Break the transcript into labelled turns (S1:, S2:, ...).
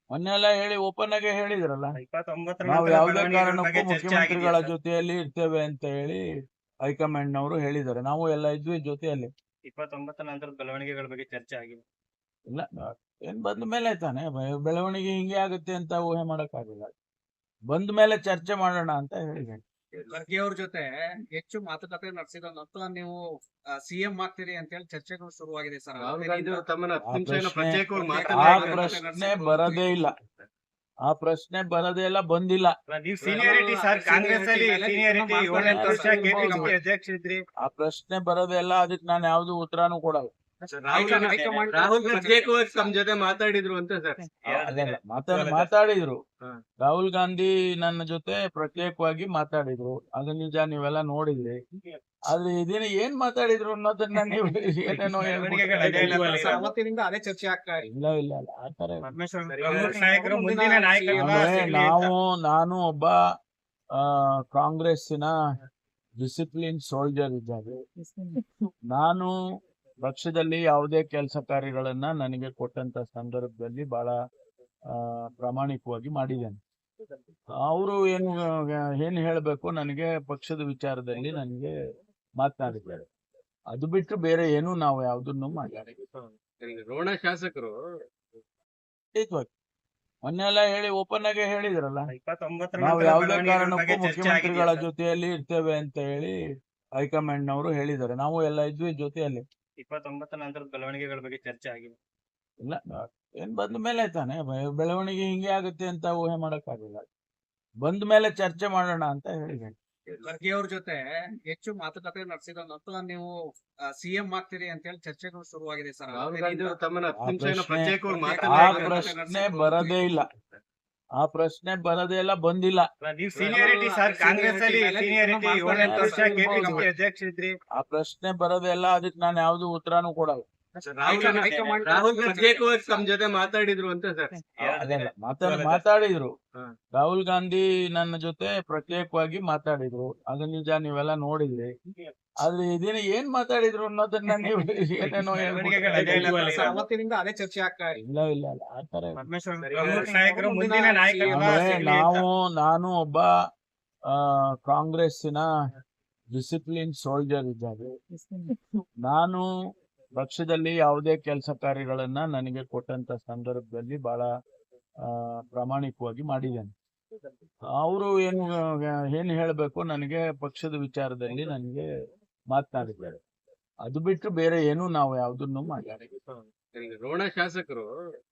S1: ಮೊನ್ನೆ ಎಲ್ಲ ಹೇಳಿ ಓಪನ್ ಆಗಿ ಹೇಳಿದ್ರಲ್ಲ,
S2: 29
S1: ನಾವು
S2: ನಂತರ
S1: ಯಾವುದೇ
S2: ಬೆಳವಣಿಗೆಗಳ
S1: ಕಾರಣಕ್ಕೂ
S2: ಬಗ್ಗೆ ಚರ್ಚೆ
S1: ಮುಖ್ಯಮಂತ್ರಿಗಳ
S2: ಆಗಿದೆಯಾ ಸರ್?
S1: ಜೊತೆಯಲ್ಲಿ ಇರ್ತೇವೆ ಅಂತ ಹೇಳಿ ಹೈಕಮಾಂಡ್ ನವರು ಹೇಳಿದ್ದಾರೆ. ನಾವು ಎಲ್ಲ ಇದ್ವಿ ಜೊತೆಯಲ್ಲಿ.
S2: 29 ನಂತರದ ಬೆಳವಣಿಗೆಗಳ ಬಗ್ಗೆ ಚರ್ಚೆ ಆಗಿದೆ.
S1: ಇಲ್ಲ, ಏನ್ ಬಂದ ಮೇಲೆ ತಾನೆ ಬೆಳವಣಿಗೆ ಹಿಂಗೆ ಆಗುತ್ತೆ ಅಂತ ಊಹೆ ಮಾಡಕ್ಕಾಗಿಲ್ಲ. ಬಂದ ಮೇಲೆ ಚರ್ಚೆ ಮಾಡೋಣ ಅಂತ ಹೇಳಿದೆ.
S3: ಖರ್ಗೆ ಅವ್ರ ಜೊತೆ ಹೆಚ್ಚು ಮಾತುಕತೆ ನಡೆಸಿದ ನಂತರ ನೀವು ಸಿಎಂ ಆಗ್ತೀರಿ ಅಂತ ಹೇಳಿ ಚರ್ಚೆಗಳು ಶುರುವಾಗಿದೆ ಸರ್.
S1: ಆ ಪ್ರಶ್ನೆ ಬರದೇ ಇಲ್ಲ. ಆ ಪ್ರಶ್ನೆ ಬರದೇ ಇಲ್ಲ, ಬಂದಿಲ್ಲ.
S2: ನೀವು ಸೀನಿಯರಿಟಿ ಸರ್, ಕಾಂಗ್ರೆಸ್ ಅಲ್ಲಿ ಸೀನಿಯರಿಟಿ 7 ವರ್ಷ ಕೆಪಿಸಿಸಿ ಅಧ್ಯಕ್ಷ ಇದ್ರಿ.
S1: ಆ ಪ್ರಶ್ನೆ ಬರದೇ ಇಲ್ಲ, ಅದಕ್ಕೆ ನಾನು ಯಾವ್ದು ಉತ್ತರಾನು ಕೊಡಲ್ಲ.
S3: ರಾಹುಲ್ ಪ್ರತ್ಯೇಕವಾಗಿ ತಮ್ಮ ಜೊತೆ ಮಾತಾಡಿದ್ರು ಅಂತ ಸರ್.
S1: ಅದಲ್ಲ, ಮಾತಾಡಿದ್ರು. ರಾಹುಲ್ ಗಾಂಧಿ ನನ್ನ ಜೊತೆ ಪ್ರತ್ಯೇಕವಾಗಿ ಮಾತಾಡಿದ್ರು, ಅದು ನಿಜ, ನೀವೆಲ್ಲ ನೋಡಿದ್ರಿ. ಆದ್ರೆ ಇದನ್ನ ಏನ್ ಮಾತಾಡಿದ್ರು ಅನ್ನೋದನ್ನ ನೀವು ಏನೇನೋ
S3: ಅವತ್ತಿನಿಂದ ಅದೇ ಚರ್ಚೆ ಆಗ್ತಾ ಇದೆ.
S1: ಇಲ್ಲ ಇಲ್ಲ ಇಲ್ಲ, ಆತರ
S2: ನಾಯಕರು ಮುಂದಿನ ನಾಯಕರು
S1: ನಾನು ಒಬ್ಬ ಕಾಂಗ್ರೆಸ್ಸಿನ ಡಿಸಿಪ್ಲಿನ್ ಸೋಲ್ಜರ್ ಇದ್ದಾರೆ. ನಾನು ಪಕ್ಷದಲ್ಲಿ ಯಾವುದೇ ಕೆಲಸ ಕಾರ್ಯಗಳನ್ನ ನನಗೆ ಕೊಟ್ಟಂತ ಸಂದರ್ಭದಲ್ಲಿ ಬಹಳ ಪ್ರಾಮಾಣಿಕವಾಗಿ ಮಾಡಿದ್ದೇನೆ. ಅವರು ಏನು ಹೇಳಬೇಕು, ನನಗೆ ಪಕ್ಷದ ವಿಚಾರದಲ್ಲಿ ನನಗೆ ಮಾತನಾಡಿದ್ದಾರೆ. ಅದು ಬಿಟ್ಟು ಬೇರೆ ಏನು ನಾವು ಯಾವುದನ್ನು ಮಾತಾಡಿಲ್ಲ.
S3: ರೋಣ ಶಾಸಕರು
S1: ಮೊನ್ನೆ ಎಲ್ಲ ಹೇಳಿ ಓಪನ್ ಆಗಿ ಹೇಳಿದ್ರಲ್ಲ,
S2: 29
S1: ನಾವು
S2: ನಂತರ
S1: ಯಾವುದೇ
S2: ಬೆಳವಣಿಗೆಗಳ
S1: ಕಾರಣಕ್ಕೂ
S2: ಬಗ್ಗೆ ಚರ್ಚೆ
S1: ಮುಖ್ಯಮಂತ್ರಿಗಳ
S2: ಆಗಿದೆಯಾ ಸರ್?
S1: ಜೊತೆಯಲ್ಲಿ ಇರ್ತೇವೆ ಅಂತ ಹೇಳಿ ಹೈಕಮಾಂಡ್ ನವರು ಹೇಳಿದ್ದಾರೆ. ನಾವು ಎಲ್ಲ ಇದ್ವಿ ಜೊತೆಯಲ್ಲಿ.
S2: 29 ನಂತರದ ಬೆಳವಣಿಗೆಗಳ ಬಗ್ಗೆ ಚರ್ಚೆ ಆಗಿದೆ.
S1: ಇಲ್ಲ, ಏನ್ ಬಂದ ಮೇಲೆ ತಾನೆ ಬೆಳವಣಿಗೆ ಹಿಂಗೆ ಆಗುತ್ತೆ ಅಂತ ಊಹೆ ಮಾಡಕ್ಕಾಗಿಲ್ಲ. ಬಂದ ಮೇಲೆ ಚರ್ಚೆ ಮಾಡೋಣ ಅಂತ ಹೇಳಿದೆ.
S3: ಖರ್ಗೆ ಅವ್ರ ಜೊತೆ ಹೆಚ್ಚು ಮಾತುಕತೆ ನಡೆಸಿದ ನಂತರ ನೀವು ಸಿಎಂ ಆಗ್ತೀರಿ ಅಂತ ಹೇಳಿ ಚರ್ಚೆಗಳು ಶುರುವಾಗಿದೆ ಸರ್.
S1: ಆ ಪ್ರಶ್ನೆ ಬರದೇ ಇಲ್ಲ. ಆ ಪ್ರಶ್ನೆ ಬರದೇ ಇಲ್ಲ, ಬಂದಿಲ್ಲ.
S2: ನೀವು ಸೀನಿಯರಿಟಿ ಸರ್, ಕಾಂಗ್ರೆಸ್ ಅಲ್ಲಿ ಸೀನಿಯರಿಟಿ 7 ವರ್ಷ ಕೆಪಿಸಿಸಿ ಅಧ್ಯಕ್ಷ ಇದ್ರಿ.
S1: ಆ ಪ್ರಶ್ನೆ ಬರದೇ ಇಲ್ಲ, ಅದಕ್ಕೆ ನಾನು ಯಾವ್ದು ಉತ್ತರಾನು ಕೊಡಲ್ಲ.
S3: ರಾಹುಲ್ ಪ್ರತ್ಯೇಕವಾಗಿ ತಮ್ಮ ಜೊತೆ ಮಾತಾಡಿದ್ರು ಅಂತ ಸರ್.
S1: ಅದಲ್ಲ, ಮಾತಾಡಿದ್ರು. ರಾಹುಲ್ ಗಾಂಧಿ ನನ್ನ ಜೊತೆ ಪ್ರತ್ಯೇಕವಾಗಿ ಮಾತಾಡಿದ್ರು, ಅದು ನಿಜ, ನೀವೆಲ್ಲ ನೋಡಿದ್ರಿ. ಆದ್ರೆ ಇದನ್ನ ಏನ್ ಮಾತಾಡಿದ್ರು ಅನ್ನೋದನ್ನ ನೀವು ಏನೇನೋ
S3: ಅವತ್ತಿನಿಂದ ಅದೇ ಚರ್ಚೆ ಆಗ್ತಾ ಇದೆ.
S1: ಇಲ್ಲ ಇಲ್ಲ ಇಲ್ಲ, ಆತರ
S2: ನಾಯಕರು ಮುಂದಿನ ನಾಯಕರು
S1: ನಾನು ಒಬ್ಬ ಕಾಂಗ್ರೆಸ್ಸಿನ ಡಿಸಿಪ್ಲಿನ್ ಸೋಲ್ಜರ್ ಇದ್ದಾರೆ. ನಾನು ಪಕ್ಷದಲ್ಲಿ ಯಾವುದೇ ಕೆಲಸ ಕಾರ್ಯಗಳನ್ನ ನನಗೆ ಕೊಟ್ಟಂತ ಸಂದರ್ಭದಲ್ಲಿ ಬಹಳ ಪ್ರಾಮಾಣಿಕವಾಗಿ ಮಾಡಿದ್ದೇನೆ. ಅವರು ಏನು ಹೇಳಬೇಕು, ನನಗೆ ಪಕ್ಷದ ವಿಚಾರದಲ್ಲಿ ನನಗೆ ಮಾತನಾಡಿದ್ದಾರೆ. ಅದು ಬಿಟ್ಟು ಬೇರೆ ಏನು ನಾವು ಯಾವುದನ್ನು ಮಾತಾಡಿಲ್ಲ.
S3: ರೋಣ ಶಾಸಕರು